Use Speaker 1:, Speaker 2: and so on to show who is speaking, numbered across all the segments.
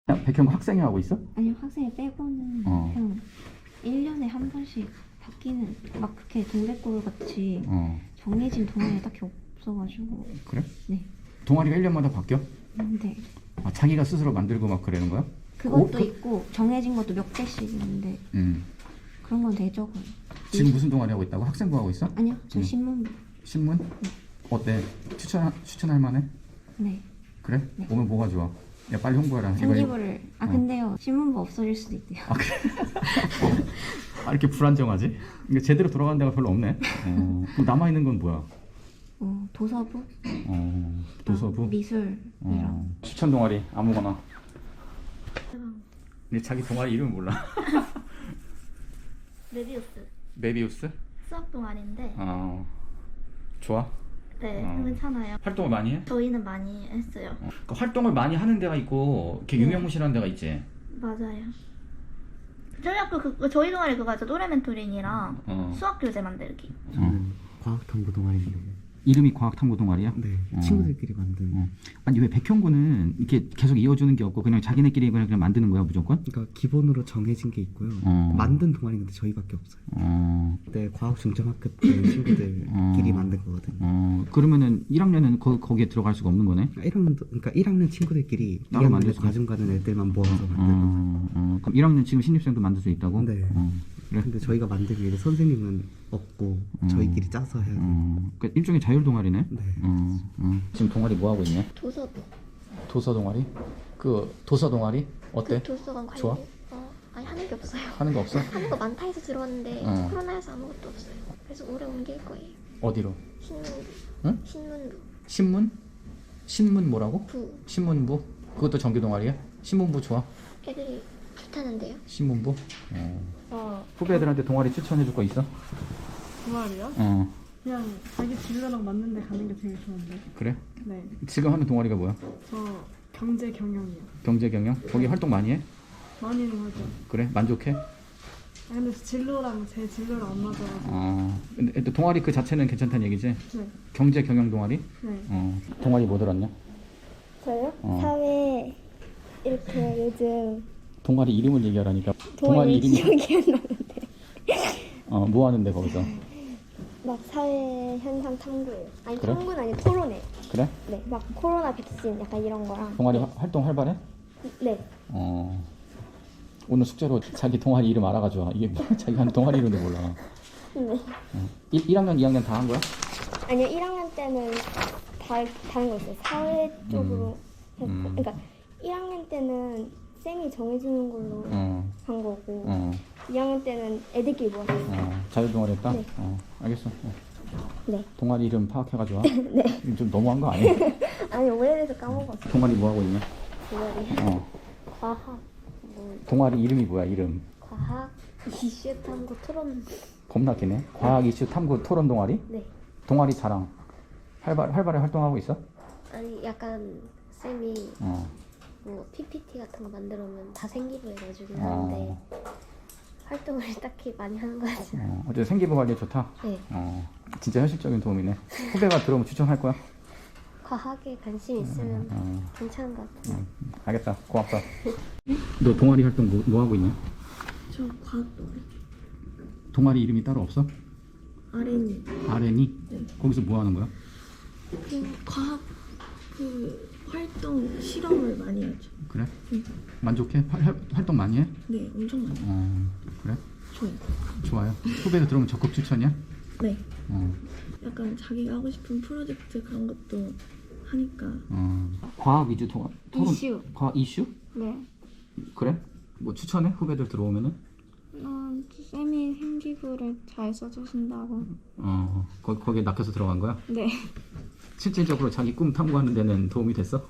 Speaker 1: 백현고 학생회 하고 있어?
Speaker 2: 아니요, 학생회 빼고는 그냥 1년에 한 번씩 바뀌는 막 그렇게 동백골 같이 정해진 동아리 딱히 없어가지고.
Speaker 1: 그래?
Speaker 2: 네.
Speaker 1: 동아리가 1년마다 바뀌어?
Speaker 2: 네.
Speaker 1: 아, 자기가 스스로 만들고 막 그러는 거야?
Speaker 2: 그것도 있고 정해진 것도 몇 개씩 있는데 그런 건 되게 적어요.
Speaker 1: 지금 무슨 동아리 하고 있다고? 학생부 하고 있어?
Speaker 2: 아니요, 저 신문부.
Speaker 1: 신문? 어때? 추천할 만해?
Speaker 2: 네.
Speaker 1: 그래?
Speaker 2: 네.
Speaker 1: 오면 뭐가 좋아? 야 빨리 홍보해라.
Speaker 2: 생기부를 근데요, 신문부 없어질 수도 있대요.
Speaker 1: 아 그래? 아 이렇게 불안정하지? 그러니까 제대로 돌아가는 데가 별로 없네. 그럼 남아있는 건 뭐야?
Speaker 2: 도서부?
Speaker 1: 도서부?
Speaker 2: 미술이랑.
Speaker 1: 추천 동아리 아무거나. 근데 자기 동아리 이름을 몰라.
Speaker 3: 메비우스
Speaker 1: 메비우스?
Speaker 3: 수학 동아리인데
Speaker 1: 좋아?
Speaker 3: 네 괜찮아요.
Speaker 1: 활동을 많이 해?
Speaker 3: 저희는 많이 했어요.
Speaker 1: 그 활동을 많이 하는 데가 있고 이렇게 유명무실한 데가 있지?
Speaker 3: 맞아요. 저희 학교 저희 동아리 그거 있죠. 또래 멘토링이랑 수학 교재 만들기.
Speaker 4: 과학탐구 동아리인데.
Speaker 1: 이름이 과학탐구 동아리야?
Speaker 4: 네, 친구들끼리 만든.
Speaker 1: 아니 왜 백현고는 이렇게 계속 이어주는 게 없고 그냥 자기네끼리 그냥 만드는 거야 무조건?
Speaker 4: 그러니까 기본으로 정해진 게 있고요. 만든 동아리는 근데 저희밖에 없어요. 그때 과학 중점학급 때 친구들끼리 만든 거거든요.
Speaker 1: 그러면은 1학년은 거기에 들어갈 수가 없는 거네?
Speaker 4: 1학년도 그러니까 1학년 친구들끼리
Speaker 1: 따로
Speaker 4: 2학년에
Speaker 1: 만들 수
Speaker 4: 과중 가는 애들만 모아서 만든.
Speaker 1: 그럼 1학년 지금 신입생도 만들 수 있다고?
Speaker 4: 네.
Speaker 1: 그래?
Speaker 4: 근데 저희가 만들기 위해 선생님은 없고 저희끼리 짜서 해야 돼요.
Speaker 1: 그러니까 일종의 자율 동아리네?
Speaker 4: 네.
Speaker 1: 지금 동아리 뭐 하고 있냐?
Speaker 3: 도서도.
Speaker 1: 도서 동아리? 그 도서 동아리 어때?
Speaker 3: 도서관 관리.
Speaker 1: 좋아?
Speaker 3: 아니 하는 게 없어요.
Speaker 1: 하는 거 없어?
Speaker 3: 하는 거 많다 해서 들어왔는데
Speaker 1: 어.
Speaker 3: 코로나여서 아무것도 없어요. 그래서 올해 옮길 거예요.
Speaker 1: 어디로?
Speaker 3: 신문부.
Speaker 1: 응?
Speaker 3: 신문부.
Speaker 1: 신문? 신문 뭐라고?
Speaker 3: 부.
Speaker 1: 신문부? 그것도 정규 동아리야? 신문부 좋아?
Speaker 3: 애들이 좋다는데요.
Speaker 1: 신문부? 후배들한테 동아리 추천해 줄 거 있어?
Speaker 5: 동아리요? 그냥 자기 진로랑 맞는 데 가는 게 제일 좋은데.
Speaker 1: 그래?
Speaker 5: 네.
Speaker 1: 지금 하는 동아리가 뭐야?
Speaker 5: 저 경제 경영이요.
Speaker 1: 경제 경영? 거기 활동 많이 해?
Speaker 5: 많이는 하죠.
Speaker 1: 그래? 만족해?
Speaker 5: 근데 진로랑 제 진로랑 안 맞아가지고.
Speaker 1: 근데 또 동아리 그 자체는 괜찮다는 얘기지?
Speaker 5: 네.
Speaker 1: 경제 경영 동아리?
Speaker 5: 네.
Speaker 1: 동아리 뭐 들었냐?
Speaker 6: 저요? 사회 이렇게 요즘
Speaker 1: 동아리 이름을 얘기하라니까.
Speaker 6: 동아리
Speaker 1: 이름이
Speaker 6: 기억이 안 나는데
Speaker 1: 뭐 하는데 거기서?
Speaker 6: 막 사회 현상 탐구예요. 아니
Speaker 1: 그래?
Speaker 6: 탐구는 아니고 토론회.
Speaker 1: 그래?
Speaker 6: 네, 막 코로나 백신 약간 이런 거랑.
Speaker 1: 동아리 활동 활발해?
Speaker 6: 네.
Speaker 1: 오늘 숙제로 자기 동아리 이름 알아가지고 이게 뭐 자기 하는 동아리 이름도 몰라.
Speaker 6: 네.
Speaker 1: 1학년, 2학년 다 한 거야?
Speaker 6: 아니요, 1학년 때는 다른 거 있어요. 사회 쪽으로 했고, 그러니까 1학년 때는 쌤이 정해주는 걸로 한 거고, 2학년 때는 애들끼리 모았어요.
Speaker 1: 자율 동아리 했다?
Speaker 6: 네.
Speaker 1: 알겠어.
Speaker 6: 네.
Speaker 1: 동아리 이름 파악해가지고. 네. 좀 너무한 거 아니야?
Speaker 6: 아니 오래돼서 까먹었어요.
Speaker 1: 동아리 뭐 하고 있냐?
Speaker 6: 동아리. 과학.
Speaker 1: 동아리 이름이 뭐야 이름?
Speaker 6: 과학 이슈 탐구 토론.
Speaker 1: 겁나 기네. 과학 이슈 탐구 토론 동아리?
Speaker 6: 네.
Speaker 1: 동아리 자랑. 활발하게 활동하고 있어?
Speaker 3: 아니 약간 쌤이 뭐 PPT 같은 거 만들어 오면 다 생기부 해가지고 하는데 활동을 딱히 많이 하는 거 같아요.
Speaker 1: 어쨌든 생기부 관리 좋다?
Speaker 3: 네.
Speaker 1: 진짜 현실적인 도움이네. 후배가 들어오면 추천할 거야?
Speaker 3: 과학에 관심 있으면 괜찮은 것 같아요.
Speaker 1: 알겠다. 고맙다. 너 동아리 활동 뭐 하고 있냐?
Speaker 5: 저 과학 동아리.
Speaker 1: 동아리 이름이 따로 없어?
Speaker 5: RN이.
Speaker 1: RN이? 거기서 뭐 하는 거야?
Speaker 5: 과학 활동 실험을 많이 하죠.
Speaker 1: 그래? 만족해? 활동 많이 해?
Speaker 5: 네, 엄청 많이.
Speaker 1: 그래?
Speaker 5: 좋아요.
Speaker 1: 좋아요. 후배들 들어오면 적극 추천이야?
Speaker 5: 네.
Speaker 7: 약간 자기가 하고 싶은 프로젝트 그런 것도 하니까.
Speaker 1: 과학 위주 토론?
Speaker 2: 이슈.
Speaker 1: 과학 이슈?
Speaker 2: 네.
Speaker 1: 그래? 뭐 추천해? 후배들 들어오면은?
Speaker 2: 쌤이 생기부를 잘 써주신다고.
Speaker 1: 거기에 낚여서 들어간 거야?
Speaker 2: 네.
Speaker 1: 실질적으로 자기 꿈 탐구하는 데는 도움이 됐어?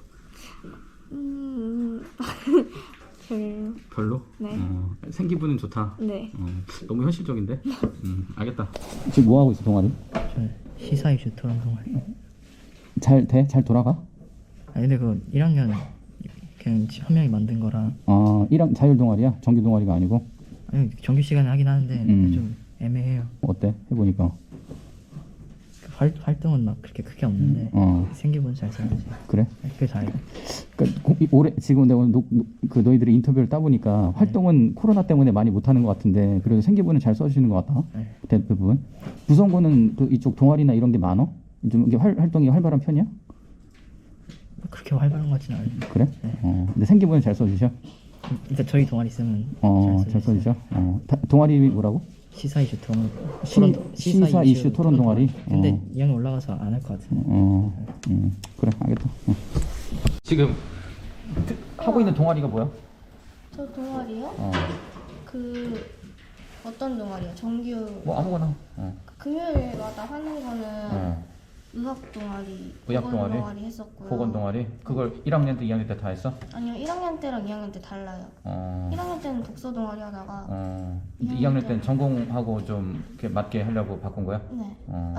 Speaker 2: 별로.
Speaker 1: 별로?
Speaker 2: 네.
Speaker 1: 생기부는 좋다.
Speaker 2: 네.
Speaker 1: 너무 현실적인데? 알겠다. 지금 뭐 하고 있어 동아리?
Speaker 8: 저 시사 이슈 토론 동아리.
Speaker 1: 잘 돼? 잘 돌아가?
Speaker 8: 아니 근데 그 1학년 그냥 한 명이 만든 거라.
Speaker 1: 1학 자율 동아리야? 정규 동아리가 아니고?
Speaker 8: 아니 정규 시간에 하긴 하는데 좀 애매해요.
Speaker 1: 어때? 해보니까
Speaker 8: 활동은 막 그렇게 크게 없는데 생기부는 잘 써야지.
Speaker 1: 그래?
Speaker 8: 그게 다예요.
Speaker 1: 그러니까 올해 지금 내가 오늘 그 너희들의 인터뷰를 따보니까 활동은 코로나 때문에 많이 못하는 것 같은데 그래도 생기부는 잘 써주시는 것 같다.
Speaker 8: 네.
Speaker 1: 대부분. 구성구는 그 이쪽 동아리나 이런 게 많어? 좀 이게 활동이 활발한 편이야?
Speaker 8: 그렇게 활발한 것 같지는 않아요.
Speaker 1: 그래?
Speaker 8: 네.
Speaker 1: 근데 생기부는 잘 써주셔?
Speaker 8: 일단 저희 동아리 쓰면
Speaker 1: 잘 써주셔? 동아리 뭐라고?
Speaker 8: 시사 이슈 토론
Speaker 1: 시사 이슈 토론 동아리?
Speaker 8: 근데 이 형이 올라가서 안 할 것 같은데.
Speaker 1: 그래 알겠다. 지금 하고 있는 동아리가 뭐야?
Speaker 6: 저 동아리요? 그 어떤 동아리요? 정규
Speaker 1: 뭐 아무거나.
Speaker 6: 금요일마다 하는 거는 의학 동아리,
Speaker 1: 의학
Speaker 6: 보건
Speaker 1: 동아리?
Speaker 6: 동아리 했었고요.
Speaker 1: 보건 동아리? 그걸 1학년 때 2학년 때 다 했어?
Speaker 6: 아니요, 1학년 때랑 2학년 때 달라요. 1학년 때는 독서 동아리 하다가
Speaker 1: 2학년 때는 전공하고 좀 이렇게 맞게 하려고 바꾼 거야?
Speaker 6: 네.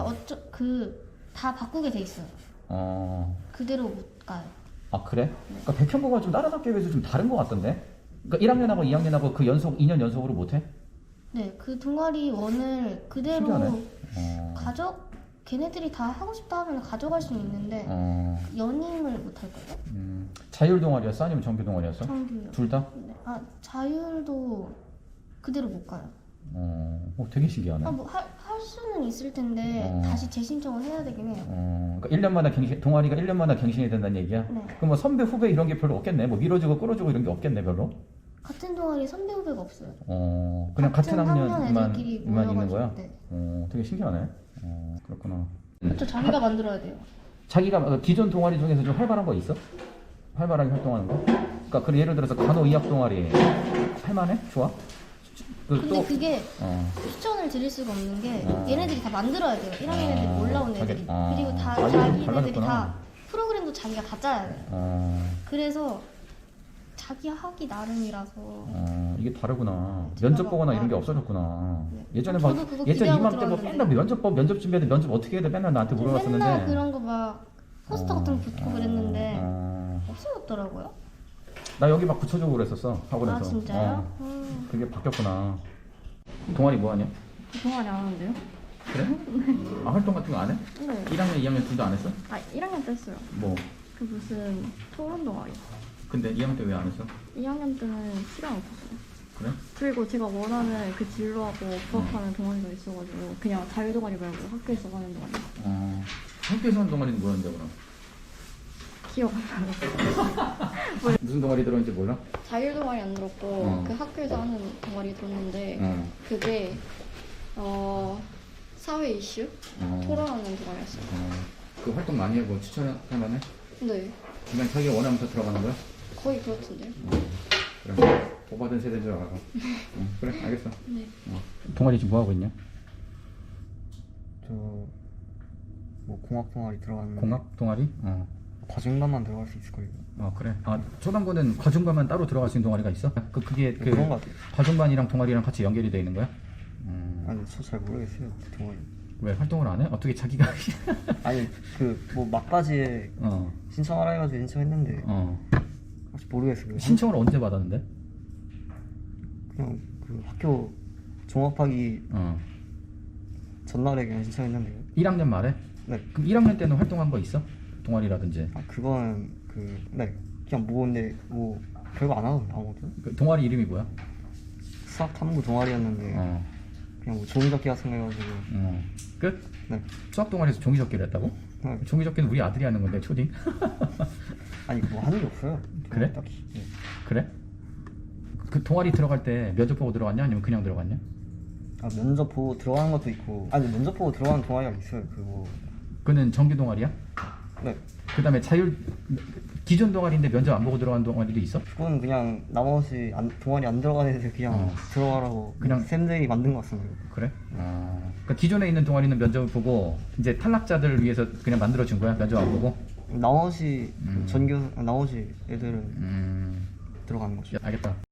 Speaker 6: 다 바꾸게 돼 있어요. 그대로 못 가요.
Speaker 1: 아 그래? 그러니까 백현고가 좀 다른 학교에 비해서 좀 다른 것 같던데? 그러니까 1학년하고 2학년하고 그 2년 연속으로 못해?
Speaker 6: 네, 그 동아리 원을 그대로
Speaker 1: 신기하네.
Speaker 6: 걔네들이 다 하고 싶다 하면 가져갈 수는 있는데 연임을 못 할 거예요.
Speaker 1: 자율 동아리였어? 아니면 정규 동아리였어?
Speaker 6: 정규요.
Speaker 1: 둘 다?
Speaker 6: 네. 자율도 그대로 못 가요.
Speaker 1: 되게 신기하네.
Speaker 6: 할 수는 있을 텐데 다시 재신청을 해야 되긴 해요.
Speaker 1: 그러니까 1년마다 동아리가 1년마다 갱신이 된다는 얘기야?
Speaker 6: 네.
Speaker 1: 그럼 뭐 선배 후배 이런 게 별로 없겠네? 뭐 밀어주고 끌어주고 이런 게 없겠네 별로?
Speaker 6: 같은 동아리 선배 후배가 없어요.
Speaker 1: 그냥 같은
Speaker 6: 학년
Speaker 1: 학년만
Speaker 6: 애들끼리
Speaker 1: 있는
Speaker 6: 모여가지고,
Speaker 1: 거야?
Speaker 6: 네.
Speaker 1: 되게 신기하네. 그렇구나.
Speaker 6: 저 자기가 만들어야 돼요.
Speaker 1: 자기가 기존 동아리 중에서 좀 활발한 거 있어? 활발하게 활동하는 거? 그러니까 그 예를 들어서 간호의학 동아리 할만해? 좋아?
Speaker 6: 근데 그게 추천을 드릴 수가 없는 게 얘네들이 다 만들어야 돼요. 1학년 애들이 올라온 애들이. 그리고 다 자기네들이
Speaker 1: 달라졌구나.
Speaker 6: 다 프로그램도 자기가 다 짜야 돼요. 그래서 자기 하기 나름이라서
Speaker 1: 이게 다르구나.
Speaker 6: 제가
Speaker 1: 면접 보거나
Speaker 6: 막-
Speaker 1: 이런 게 없어졌구나.
Speaker 6: 네.
Speaker 1: 예전에
Speaker 6: 저도
Speaker 1: 막
Speaker 6: 그거
Speaker 1: 예전
Speaker 6: 기대하고
Speaker 1: 이맘때 뭐
Speaker 6: 들어갔는데.
Speaker 1: 맨날 면접 준비해야 돼. 면접 어떻게 해야 돼? 맨날 나한테 물어봤었는데.
Speaker 6: 맨날 그런 거 막 포스터 같은 거 붙고 그랬는데 없어졌더라고요.
Speaker 1: 나 여기 막 붙여주고 그랬었어 학원에서.
Speaker 6: 아 진짜요?
Speaker 1: 그게 바뀌었구나. 동아리 뭐 하냐?
Speaker 5: 동아리 안 하는데요?
Speaker 1: 그래? 활동 같은 거 안 해?
Speaker 5: 네.
Speaker 1: 1학년, 2학년 둘 다 안 했어?
Speaker 5: 1학년 때 했어요.
Speaker 1: 뭐?
Speaker 5: 그 무슨 토론 동아리.
Speaker 1: 근데 2학년 때 왜 안 했어?
Speaker 5: 2학년 때는 시간 없었어요.
Speaker 1: 그래?
Speaker 5: 그리고 제가 원하는 그 진로하고 부합하는 동아리가 있어가지고 그냥 자유 동아리 말고 학교에서 하는 동아리.
Speaker 1: 학교에서 하는 동아리는 뭐였는데 그럼?
Speaker 5: 기억 안 나요.
Speaker 1: 무슨 동아리 들어있는지 몰라?
Speaker 5: 자유 동아리 안 들었고 그 학교에서 하는 동아리 들었는데 그게 사회 이슈 토론하는 동아리였어요.
Speaker 1: 그 활동 많이 하고 추천할 만해?
Speaker 5: 네,
Speaker 1: 그냥 자기가 원하면서 들어가는 거야?
Speaker 5: 거의 그렇던데요.
Speaker 1: 그래. 오바된 세대인 줄 알아. 그래, 알겠어.
Speaker 5: 네.
Speaker 1: 동아리 지금 뭐 하고 있냐?
Speaker 4: 저 뭐 공학 동아리 들어갔는데
Speaker 1: 공학 동아리?
Speaker 4: 과중반만 들어갈 수 있을 거예요.
Speaker 1: 그래. 초반부는 과중반만 따로 들어갈 수 있는 동아리가 있어? 그게
Speaker 4: 그런 것 같아요.
Speaker 1: 과중반이랑 동아리랑 같이 연결이 돼 있는 거야?
Speaker 4: 아니 저 잘 모르겠어요 그 동아리.
Speaker 1: 왜 활동을 안 해? 어떻게 자기가?
Speaker 4: 아니 그 뭐 막바지에 신청하라 해가지고 신청했는데 혹시 모르겠어요.
Speaker 1: 신청을 언제 받았는데?
Speaker 4: 그냥 그 학교 종합하기 전날에 그냥 신청했는데요.
Speaker 1: 1학년 말에?
Speaker 4: 네.
Speaker 1: 그럼 1학년 때는 활동한 거 있어? 동아리라든지.
Speaker 4: 그건 네 그냥 근데 뭐 별거 안 하던데 아무것도.
Speaker 1: 그 동아리 이름이 뭐야?
Speaker 4: 수학 탐구 동아리였는데 그냥 뭐 종이접기 같은 거 해가지고.
Speaker 1: 끝?
Speaker 4: 네.
Speaker 1: 수학 동아리에서 종이접기를 했다고?
Speaker 4: 네.
Speaker 1: 종이접기는 우리 아들이 하는 건데 초딩?
Speaker 4: 아니 뭐 하는 게 없어요.
Speaker 1: 그래?
Speaker 4: 딱히. 네.
Speaker 1: 그래? 그 동아리 들어갈 때 면접 보고 들어갔냐? 아니면 그냥 들어갔냐?
Speaker 4: 면접 보고 들어가는 것도 있고 면접 보고 들어가는 동아리가 있어요. 그거.
Speaker 1: 그는 정규 동아리야?
Speaker 4: 네.
Speaker 1: 그 다음에 기존 동아리인데 면접 안 보고 들어간 동아리도 있어?
Speaker 4: 그건 그냥 나머지 동아리 안 들어가는 애들 그냥 들어가라고
Speaker 1: 그냥-
Speaker 4: 쌤들이 만든 것 같습니다.
Speaker 1: 그래? 그러니까 기존에 있는 동아리는 면접을 보고 이제 탈락자들을 위해서 그냥 만들어준 거야? 면접 안 보고?
Speaker 4: 나머지 나머지 애들은 들어가는 거죠.
Speaker 1: 알겠다.